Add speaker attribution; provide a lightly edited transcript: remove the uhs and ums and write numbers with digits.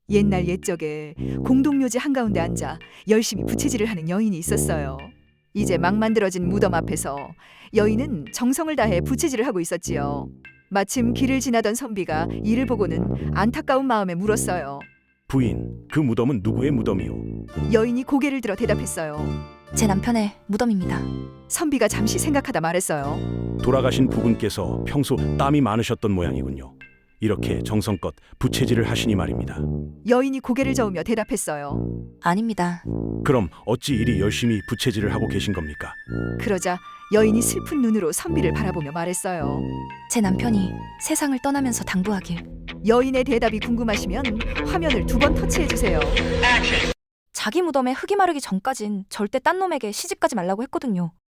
Speaker 1: 옛날 옛적에 공동묘지 한가운데 앉아 열심히 부채질을 하는 여인이 있었어요. 이제 막 만들어진 무덤 앞에서 여인은 정성을 다해 부채질을 하고 있었지요. 마침 길을 지나던 선비가 이를 보고는 안타까운 마음에 물었어요.
Speaker 2: 부인, 그 무덤은 누구의 무덤이오?
Speaker 1: 여인이 고개를 들어 대답했어요.
Speaker 3: 제 남편의 무덤입니다.
Speaker 1: 선비가 잠시 생각하다 말했어요.
Speaker 2: 돌아가신 부군께서 평소 땀이 많으셨던 모양이군요. 이렇게 정성껏 부채질을 하시니 말입니다.
Speaker 1: 여인이 고개를 저으며 대답했어요.
Speaker 3: 아닙니다.
Speaker 2: 그럼 어찌 이리 열심히 부채질을 하고 계신 겁니까?
Speaker 1: 그러자 여인이 슬픈 눈으로 선비를 바라보며 말했어요.
Speaker 3: 제 남편이 세상을 떠나면서 당부하길
Speaker 1: 여인의 대답이 궁금하시면 화면을 2번 터치해주세요.
Speaker 3: 자기 무덤에 흙이 마르기 전까진 절대 딴 놈에게 시집가지 말라고 했거든요.